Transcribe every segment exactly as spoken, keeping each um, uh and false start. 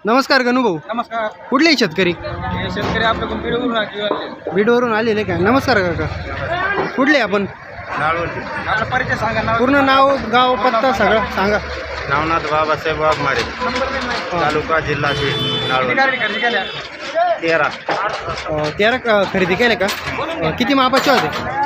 नमस्कार गणू भाऊ. नमस्कार. कुठले शेतकरी? हे शेतकरी आपल्याकडून बीडवरून आले. बीडवरून आलेले का? नमस्कार काका. कुठले आपण? आपला परिचय सांगा. नाव पूर्ण नाव गाव पत्ता सगळं सांगा. नवनाथ बाबासाहेब वाघमारे, तालुका जिल्हा बीड, नाळवंडी. किती गाडी खरेदी केल्या? तेरा अं, तेरा क- खरेदी केले का? अं, किती मापाचे होते?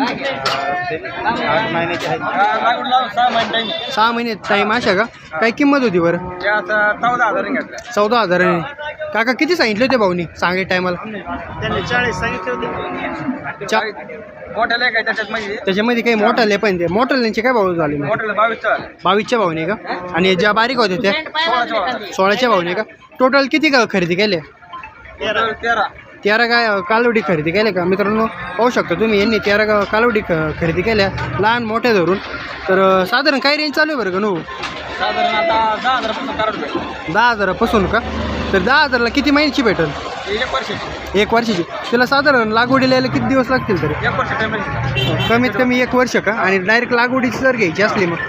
आठ महिन्याचे आहेत. हा, लागून लावून सहा महिने टाईम. सहा महिने टाईम अशा का? काय किंमत होती बरं? त्या आता चौदा हजार घेतल्या. चौदा हजाराने. काका किती सांगितले होते भाऊनी सांगे टायमाला? त्यांनी चाळीस सांगितले होते. चा मोठ्याला काय त्याच्यात माहिती त्याच्यामध्ये काही मोठाले पण ते मोठाल्यांचे काय भाव झाले? मोठ्याला बावीस चाल बावीसच्या भावने का? आणि ज्या बारीक होते त्या सोळाच्या सोळाच्या भावने का? टोटल किती का खरेदी केले? तेरा तेरा तेरा काय कालवडी खरेदी केल्या का? मित्रांनो पाहू शकता तुम्ही, यांनी तेरा का कालवडी ख खरेदी केल्या लहान मोठ्या धरून. तर अं, साधारण काय रेंज चालू आहे बरं का नो? साधारण आता दहा हजारापासून कराड भेटेल. दहा हजारापासून का? तर दहा हजारला किती महिन्याची भेटेल? एक वर्षाची. एक वर्षाची. त्याला साधारण लागवडीला यायला किती दिवस लागतील तरी? एक वर्ष पेमेंट. कमीत कमी एक वर्ष का? आणि डायरेक्ट लागवडीची जर घ्यायची असली मग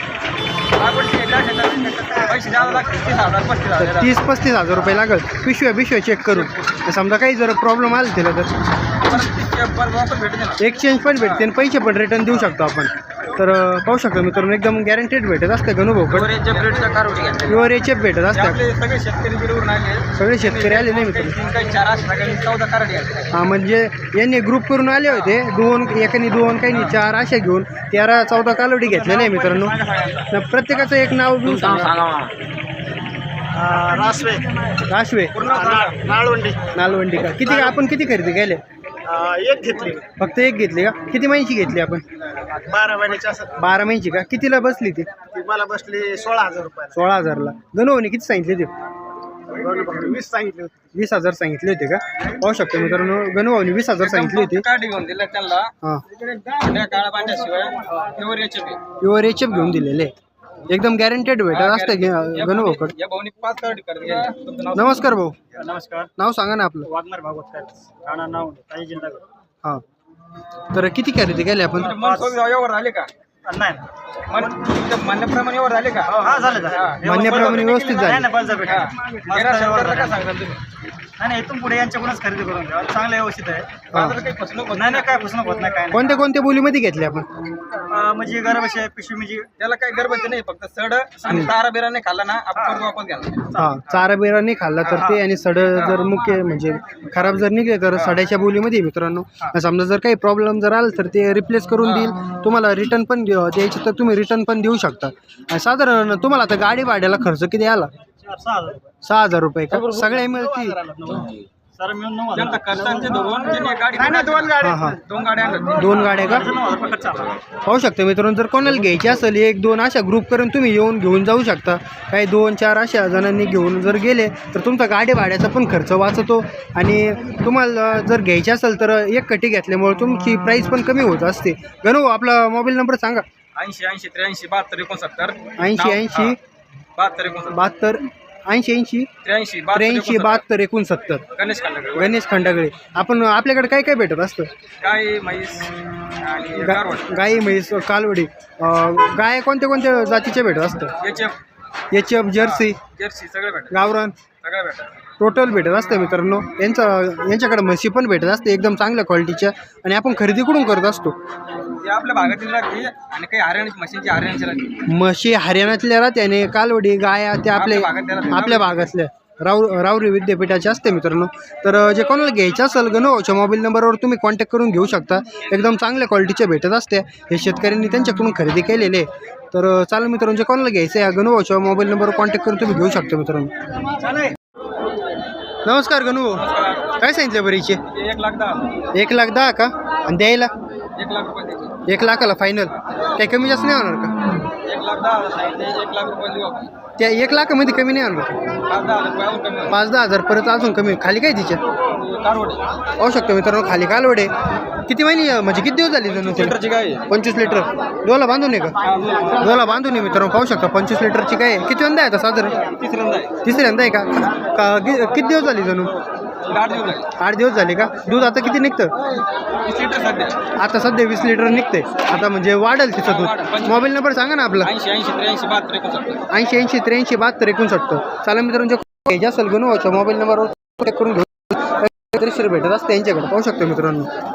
पैसे द्यावं लागतील. तीस हजार पस्तीस तर हजार तीस पस्तीस हजार रुपये लागेल पिशव्या पिशव्या चेक करून. तर समजा काही जर प्रॉब्लेम आला त्याला तर भेटते ना. एक्सचेंज पण भेटते आणि पैसे पण रिटर्न देऊ शकतो आपण. तर अं, पाहू शकतो मित्रांनो एकदम गॅरंटेड भेटत असतं गणूभाऊकडे. ओरेच्या ब्रेडच्या कारवडी घेतल्या. प्युअर एच एफ भेटत असतात. आपले सगळे शेतकरी बीडवरून आले. सगळे शेतकरी आले नाही मित्रांनो. तीन काही चार अशा सगळ्यांनी चौदा कारडी घेतल्या. हा म्हणजे यांनी ग्रुप करून आले होते. दोन एकाने दोन काही चार अशा घेऊन तेरा चौदा कालवडी घेतलेल्या आहे मित्रांनो. तर प्रत्येकाचं एक नाव घेऊन सांगा. रासवे, राशवे ना- नाळवंडी. नालवंडी का? किती आपण किती खरेदी केले? अं, एक घेतली. फक्त एक घेतली का? किती महिन्याची घेतली आपण? बारा महिन्याची असं बारा महिन्याची का? कितीला बसली ती? ती मला बसली सोळा हजार रुपये. सोळा हजारला. गणूभाऊने किती सांगितले ते? वीस सांगितले होते. वीस हजार सांगितले होते का? पाहू शकतो मित्रांनो गणूभाऊने वीस हजार सांगितले होते. कार्ड घेऊन दिलं त्यांना. हां त्या काळा पांढऱ्याशिवाय प्युअर याचे बी. प्युअर एच एफ घेऊन दिलेले. एकदम गॅरंटेड भेटत असतं गणूभाऊकडे. या भाऊनी पाच कार्ड करत गेले. तुमचं नाव नमस्कार भाऊ. नमस्कार. नाव सांगा ना आपलं. वाघमारे भागवत राणा नाव काही जिल्हा. हां तर किती खरेदी केली आपण? तुमचे मन सोबत व्यवहार झाले का? नाही मन तुमच्या म्हणण्याप्रमाणे व्यवहार झाले का? हा झालं हा. म्हणण्याप्रमाणे व्यवस्थित झाले. नाही बळजबरी भेटा. हा. गेल्या शेतकऱ्याला काय सांगताल तुम्ही? नाही नाही, इथून पुढे यांच्याकडूनच खरेदी करून घ्या. चांगलं व्यवस्थित आहे. बाजारात काही फसवणूक होत नाही नाही काय फसवणूक होत नाही काय नाही. कोणत्या कोणत्या बोलीमध्ये घेतले आपण? अं, म्हणजे गरबशी पिशवी म्हणजे त्याला काही गरबाचं नाही. फक्त सड आणि तारा बिरा नाही खाल्ला ना आपण कर्ज वापस घ्यायला. हां चारा बिरा नाही खाल्ला तर ते आणि सड जर मुख्य म्हणजे खराब जर निघले तर सड्याच्या बोलीमध्ये मित्रांनो. समजा जर काही प्रॉब्लेम जर आला तर ते रिप्लेस करून देईल. तुम्हाला रिटर्न पण देऊ- द्यायचं तर तुम्ही रिटर्न पण देऊ शकता. आणि साधारण तुम्हाला आता गाडी भाड्याला खर्च किती आला? सहा हजार रुपये. सहा हजार रुपये का? सगळ्या मिळतील. सर मिळून नऊ हजार. त्यांचा खर्चांचे धरून त्यांनी गाडी नाही नाही, दोन गाड्या. हां हां दोन गाड्या आणल्या. दोन गाड्या का? नऊ हजार रुपये खर्च आला. पाहू शकता मित्रांनो जर कोणाला घ्यायची असेल एक दोन अशा ग्रुप करून तुम्ही येऊन घेऊन जाऊ शकता. काही दोन चार अशा जणांनी घेऊन जर गेले तर तुमचा गाडी भाड्याचा पण खर्च वाचतो. आणि तुम्हाला जर घ्यायची असेल तर एक कटी घेतल्यामुळे तुमची प्राईस पण कमी होत असते. गणू आपला मोबाईल नंबर सांगा. ऐंशी ऐंशी त्र्याऐंशी बहात्तर एकोणसत्तर ऐंशी ऐंशी बहात्तर एकोणसत्तर बहात्तर ऐंशी ऐंशी त्र्याऐंशी त्र्याऐंशी बहात्तर एकोणसत्तर. गणेश खांडेकर. गणेश खंडागळे. आपण आपल्याकडे काय काय भेटत असतं? गाय म्हैस आणि गा गारवड. गाई म्हैस कालवडी. अं, गाय कोणत्या कोणत्या जातीच्या भेटत असतं? H F H F jersey jersey सगळे भेटत. गावरान सगळं भेटत. टोटल भेटत असतं मित्रांनो. यांचं यांच्याकडे म्हशी पण भेटत असते एकदम चांगल्या क्वालिटीच्या. आणि आपण खरेदी कुठून करत असतो? ते आपल्या भागातील राहते आणि काही हरियाणाची मशीनची हरियाणाची राहते. म्हशी हरियाणातल्या राहते आणि कालवडी गाया त्या आपल्या आपल्या भागातल्या राहते. आपल्या भागातल्या राव रावरी विद्यापीठाचे असते मित्रांनो. तर अं, जे कोणाला घ्यायचं असेल गणूभाऊच्या मोबाईल नंबरवर तुम्ही कॉन्टॅक्ट करून घेऊ शकता. एकदम चांगल्या क्वालिटीच्या भेटत असते. हे शेतकऱ्यांनी त्यांच्याकडून खरेदी केलेले. तर अं, चालेल मित्रांनो जे कोणाला घ्यायचं आहे गणूभाऊच्या मोबाईल नंबरवर कॉन्टॅक्ट करून तुम्ही घेऊ शकता मित्रांनो. नमस्कार गणूभाऊ. काय सांगितलं बरं हिचे? ते एक लाख दहा. एक लाख दहा का? आणि द्यायला एक लाख रुपये द्यायचे. एक लाखाला फायनल. काही कमी जास्त नाही होणार का? एक लाख दहा हजार सांगितले. एक लाख रुपये देऊ आपण. त्या एक लाखामध्ये कमी नाही होणार का? पाच दहा हजार रुपये अजून कमी होईल. पाच दहा हजार परत अजून कमी. खाली काय तिच्या? कारवड. पाहू शकतो मित्रांनो खाली कालवडे. किती महिने म्हणजे किती दिवस झाले जणू त्याला? लिटरची गाय आहे. पंचवीस लिटर. डोला बांधून आहे का? डोला बांधून आहे मित्रांनो. पाहू शकता पंचवीस लिटरची काय आहे. किती वंदा आहे आता साधारण? तिसऱ्यांदा आहे. तिसऱ्यांदा आहे का? का कि- किती दिवस झाले जणू? आठ दिवस आहे. आठ दिवस झाले का? दूध आता किती निघतं? वीस लिटर सध्या. आता सध्या वीस लिटर निघते. आता म्हणजे वाढेल तिचं दूध. मोबाईल नंबर सांगा ना आपला. ऐंशी ऐंशी त्र्याऐंशी बहात्तर एकोणसत्तर. ऐंशी ऐंशी त्र्याऐंशी बहात्तर एकोणसत्तर. चालेल मित्रांनो. घ्यायचे असेल गणोच्या मोबाईल नंबरवर कॉन्टॅक्ट करून घेऊ भेटत असते यांच्याकडे पाहू शकतो मित्रांनो.